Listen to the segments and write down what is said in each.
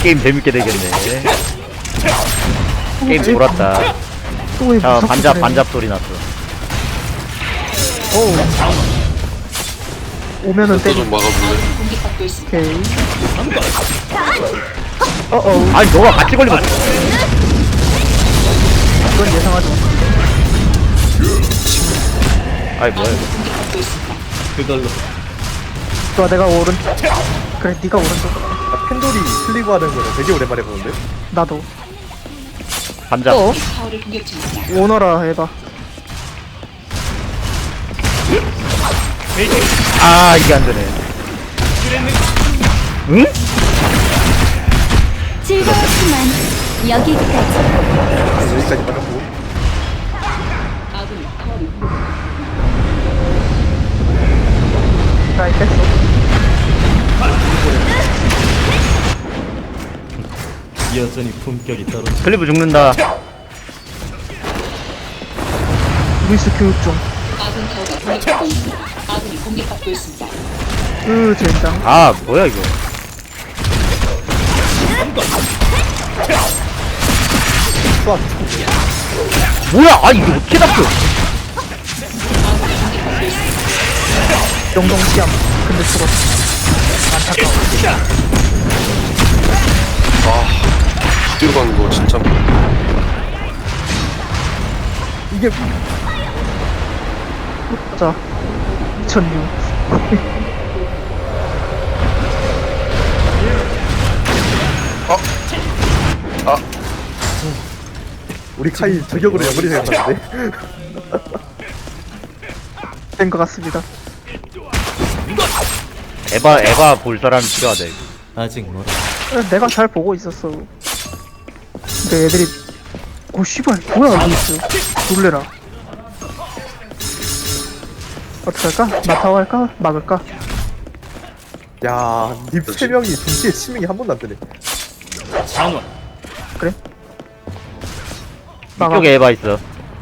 게임 재밌게 되겠네. 게임 돌았다. 또왜 자, 반잡 소리 났어. 오면은 또 때리. 좀 막아줄래? 오케이. 아니, 너가 같이 걸리면. 이건 예상하지 마. 아이, 뭐야, 이거. 그걸로 좋아, 내가 오른. 그래, 네가 오른쪽. 아, 펜돌이 슬리브 하는 거는 되게 오랜만에 보는데? 나도. 반잡. 오너라 해봐. 아, 이게 안 되네. 응? 즐거웠지만 여기까지. 여기까지 맞았고. 나 뺐어. 여전히 품격이 떨어져. 클리브 죽는다. 루이스 교육 중. 젠장. 아, 뭐야, 이거. 뭐야, 아, 이게 어떻게 잡혀? 영동 시험. 근데 죽었어. 안타까워. 뒤로 가는 거 진짜. 이게. 자. 2006. 우리 카이 저격으로 연결이 생겼는데? 된 것 같습니다. 에바 볼 사람이 필요하다, 이거. 아직 멀어. 내가 잘 보고 있었어. 근데 애들이 오 씨발 뭐야 루이스. 놀래라. 어떡할까? 마타오 할까? 막을까? 야, 닙 3명이 동시에 치명이 한 번도 안 뜨네. 장원 그래? 막아. 이쪽에 에바 있어.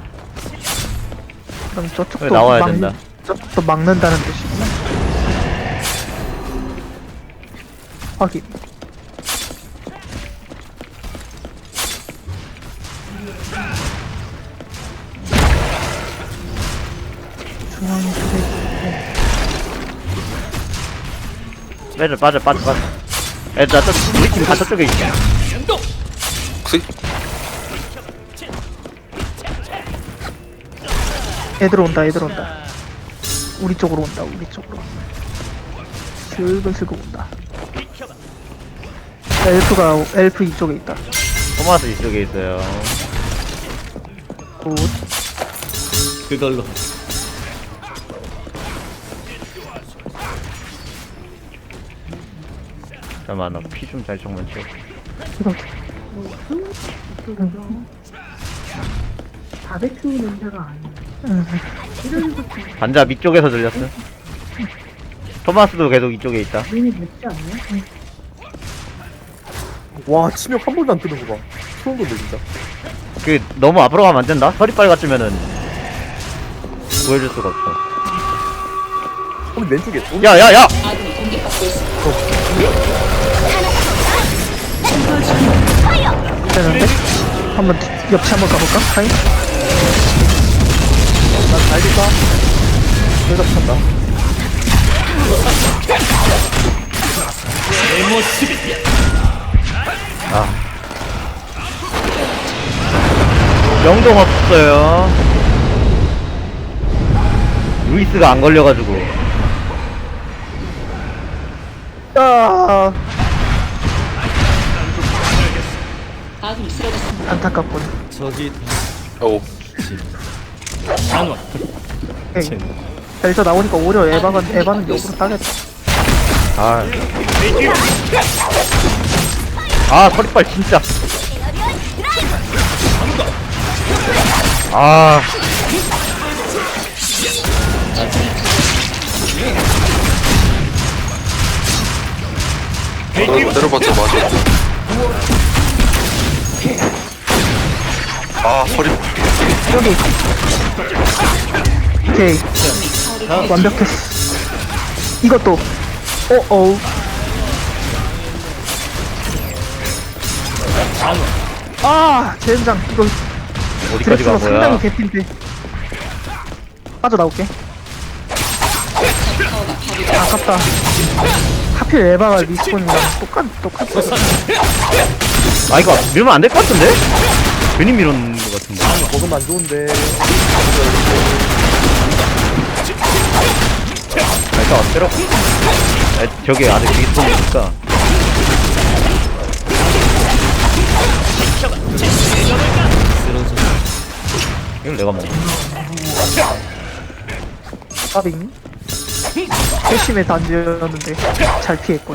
그럼 저쪽도 그래, 나와야 된다. 저쪽도 막는다는 뜻이구나. 확인. 중앙에 빠져. 애들, 우리 팀 다 저쪽에 있어. 혹시? 애들 온다. 우리 쪽으로 온다. 슬슬 온다. 엘프 이쪽에 있다. 토마스 이쪽에 있어요. 굿. 그걸로 잠깐만, 나 피 좀 잘 정만 채워. 이거 바베큐 냄새가 아니야. 반잡 이쪽에서 들렸어. 토마스도 계속 이쪽에 있다. 눈이 맵지 않냐? 와, 치명 한 번도 안 뜨는 거 봐. 소름 돋네, 진짜. 그, 너무 앞으로 가면 안 된다? 서리빨 같으면은, 구해줄 수가 없어. 그럼 왼쪽에. 야! 되는데? 한번 옆치 한번 가볼까? 하이? 난 달릴까? 대답 찬다. 내 모습이 영동 없어요. 루이스가 안 걸려가지고. 아. 안타깝군. 저기 오. 장원 에이. 여기서 나오니까 오히려 에바는 역으로 따겠다. 서리빨 진짜. 때려봤자 맞아. 허리. 여기. 오케이. 완벽했어. 이것도. 잔원. 아 젠장 이거 어디까지 드렉슬러 간 상당히 거야? 개핀데. 빠져나올게. 아깝다. 하필 에바가 리스폰이랑 똑같았어. 아 이거 밀면 안 될 것 같은데? 괜히 밀었는 것 같은데. 먹으면 안 좋은데. 아 일단 때려. 아, 저기 아직 리스폰이니까. 쓰러져. 이걸 내가 먹어. 까빙. 회심의 단지였는데 잘 피했군.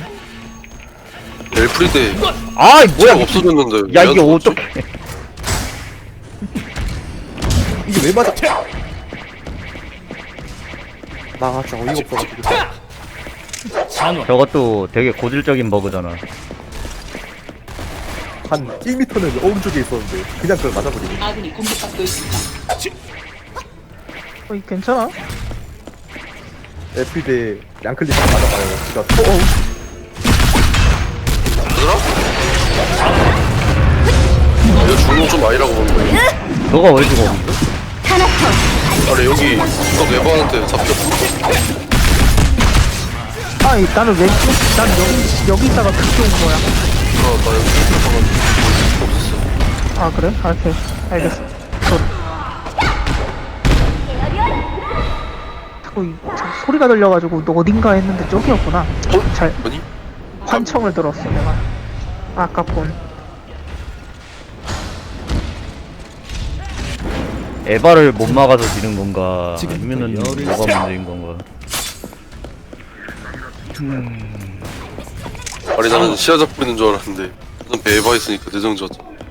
엘프리데 아이 뭐야 뭐야 없어졌는데. 야 왜 이게 안 죽었지? 어떡해. 이게 왜 맞아? 나 진짜 어이가 없어가지고. 잔원. 저것도 되게 고질적인 버그잖아. 한 1m는 오른쪽에 있었는데 그냥 그걸 맞아버리네. 어이 괜찮아? FP대 양클릭 맞아봐요. 그니까 이거 죽는 거좀 아니라고 보는데. 너가 왜 죽어? 아니 여기 딱 에바한테 잡혔어. 아이 나는 왼쪽 난 여기 있다가 그쪽 온 거야. 나 여기 없었어. 아 그래? 아, 오케이 알겠어. 자꾸 소리가 들려가지고 너 어딘가 했는데 저기였구나. 잘 아니? 환청을 들었어 내가. 아깝군. 에바를 못 막아서 지는 건가? 지금부터 아니면은 열을 뭐가 문제인 건가? 아니 나는 시야 잡고 있는 줄 알았는데 난 에바 있으니까 내정졌.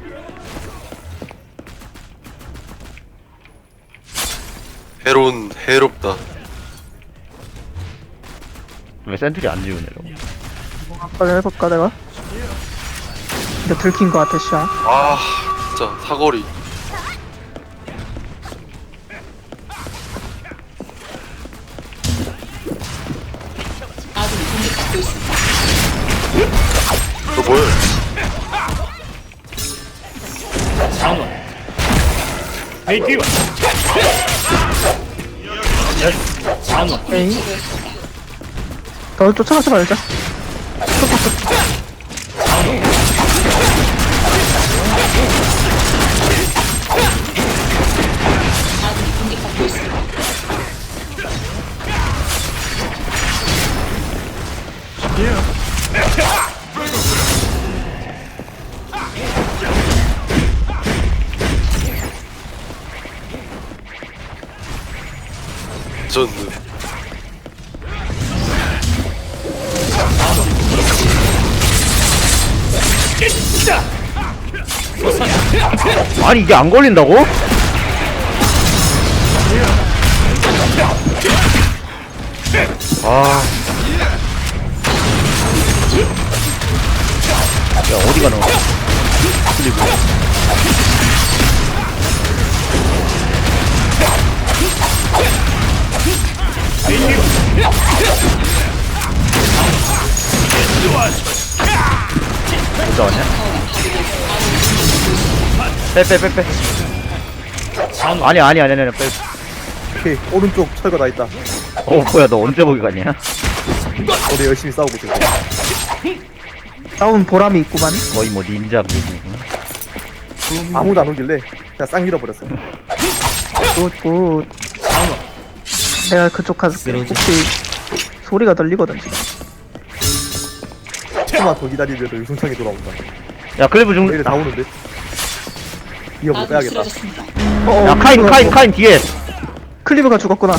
해롭다. 왜 센트리 안 지우냐고? 빨리 해볼까 내가? 근데 들킨 거 같아 시야. 아 진짜 사거리. 너 뭐야? 잔원. 회귀와. 잔원. 에이. 너 쫓아가지 말자. 졌네. 아니 이게 안 걸린다고? 아. 야 어디가 나와? 클리브. 어디 왔냐? 빼. 잔원. 아니 빼. 오케이 오른쪽 철거 다 있다. 뭐야 너 언제 보기 갔냐? 우리 열심히 싸우고 있어. 싸운 보람이 있구만. 거의 뭐 닌자 그거구나. 아무도 안 오길래 그냥 싹 밀어버렸어. 굿. 내가 그쪽 가서 쓰러져. 혹시 소리가 들리거든 지금. 조금만 더 기다리면 유승창이 돌아온다. 야 클리브 내일 죽는. 다 오는데? 이거 못 빼야겠다. 야 카인 뒤에. 클리브가 죽었구나.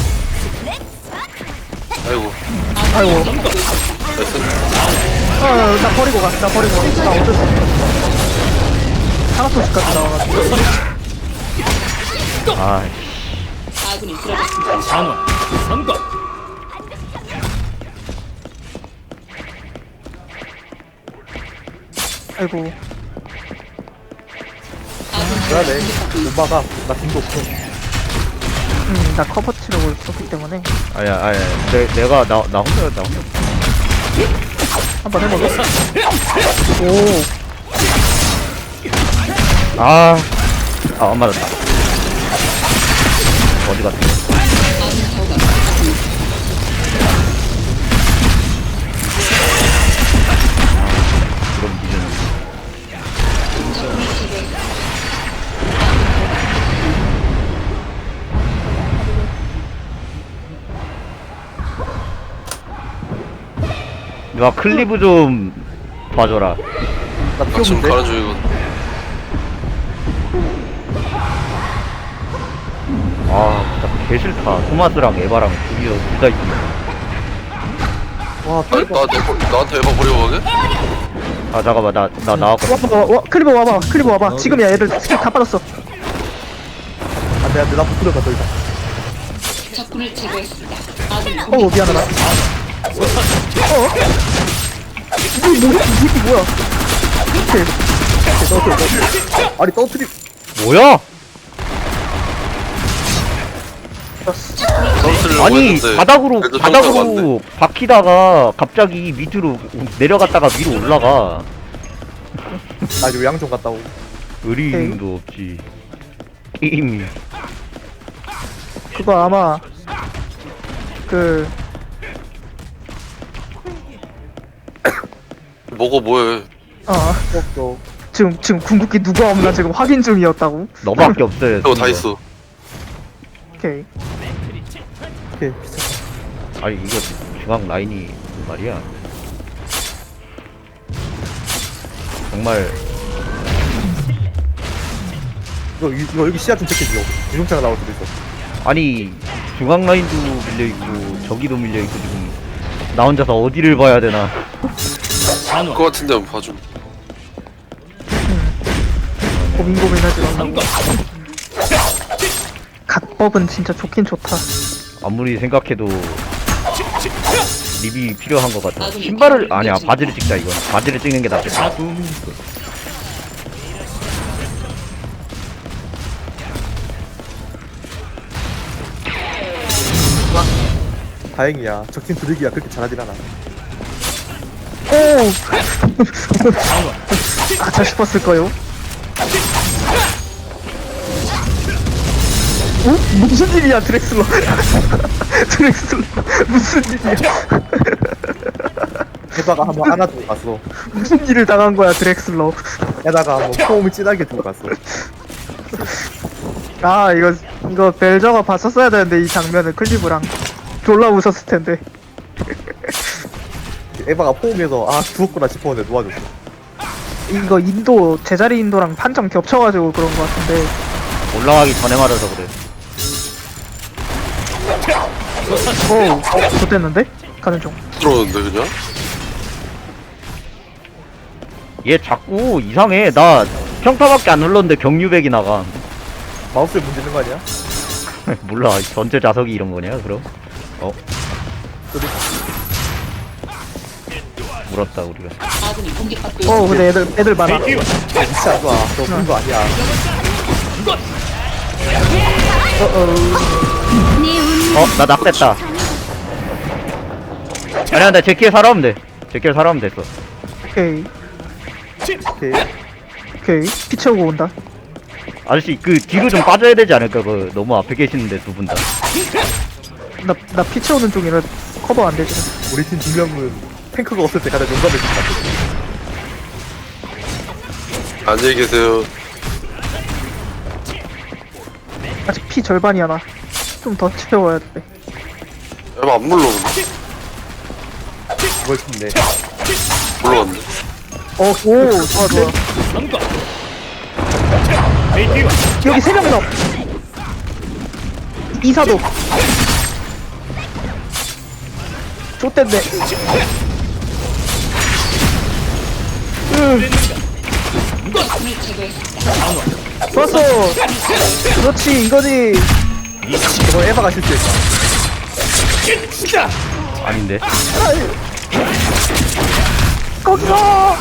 아이고. 아이고. 나이스. 나 버리고 가. 나 어쩔 수 없어. 하나씩까지 나와가지고. 아. 잔원. 선거. 아이고. 그러네. 못 막아. 나 힘도 없어. 나 커버 치려고 있었기 때문에 아야. 내가 나 혼자. 한번 해보자. 오. 안 맞았다. 어디 갔어? 그럼 니는 누가 클리브 좀 봐줘라. 나 나 지금 피오는데? 가는 중이거든. 진짜 개싫다. 토마스랑 에바랑 둘다 있네. 와 아니, 나한테 에바 버리고 가게? 잠깐만, 나 나왔거든. 클리버 와봐. 클리버 와봐. 지금이야. 얘들 스킬 다 빠졌어. 안돼 나 붙으러 가더 이상. 적군을 제거했습니다. 미안하다. 이게 뭐야? 오케이. 아니 떠트리. 뭐야? 선수를 아니 했는데 바닥으로 그래도 평타가 왔네. 바닥으로 박히다가 갑자기 밑으로 내려갔다가 위로 올라가. 나 요양 좀 갔다 오고. 의리도 없지. 게임이. 그거 아마 그 먹어 뭐해. 또 지금 궁극기 누가 없나 지금 확인 중이었다고. 너밖에 없어요. 이거 다 지금. 있어. 오케이. 오케이. 아니 이거 중앙 라인이 말이야. 정말 이거 여기 시야 좀 체크해줘. 유종차가 나올 수도 있어. 아니 중앙 라인도 밀려 있고 저기도 밀려 있고 지금 나 혼자서 어디를 봐야 되나. 잔원. 그거 같은데 한번 봐줘. 고민하지 마. 삼각. 각법은 진짜 좋긴 좋다. 아무리 생각해도 립이 필요한 것 같아. 신발을 아니야 바지를 찍자 이건. 바지를 찍는 게 낫겠다. 다행이야. 적팀 드래기야 그렇게 잘하진 않아. 오! 잔원. 가차 싶었을까요? 무슨 일이야 드렉슬러. 드렉슬러 무슨 일이야. 게다가 한번 안아주고 갔어. 무슨 일을 당한 거야 드렉슬러. 게다가 한번 포옹을 진하게 주고 갔어. 이거 벨저가 봤었어야 되는데 이 장면을 클리브랑 졸라 웃었을 텐데. 에바가 포옹해서 죽었구나 싶었는데 놓아줬어. 이거 인도 제자리 인도랑 판정 겹쳐가지고 그런 거 같은데. 올라가기 전에 맞아서 그래. 좋댔는데? 가는 중. 들어오는데 그냥? 얘 자꾸 이상해. 나 평타밖에 안 눌렀는데 경유백이 나가. 마우스에 문제 있는 거 아니야? 몰라. 전체 자석이 이런 거냐 그럼? 물었다 우리가. 근데 애들 많아. 베이티와. 진짜 안 좋아. 너 그런 거 아니야. 네 운명 나 낙됐다. 아니야 나 제키에 살아오면 돼. 제키에 살아오면 됐어. 오케이. 오케이. 오케이. 피 채우고 온다. 아저씨 그 뒤로 좀 빠져야 되지 않을까? 그 너무 앞에 계시는데 두 분 다. 나 피 채우는 중이라 커버 안 되지. 우리 팀 두 명은 탱크가 없을 때 가장 용감해진 것 같아. 안녕히 계세요. 아직 피 절반이야 나. 좀 더 채워야 돼. 에바 안 물러오는데? 그걸 싶네. 물러왔네. 좋아. 삼각. 베이티와. 여기 3명 더. 이사도. 좆댄데. 좋았어. 그렇지 이거지. 저거 에바가 실수했다. 아닌데. 거기서.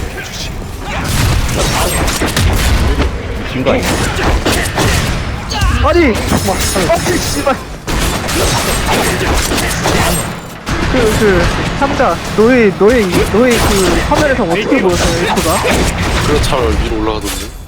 미친 거 아니야? 아니. 씨발. 상자 너의 그 화면에서 어떻게 보였어요 F가? 그냥 잘 위로 올라가던데.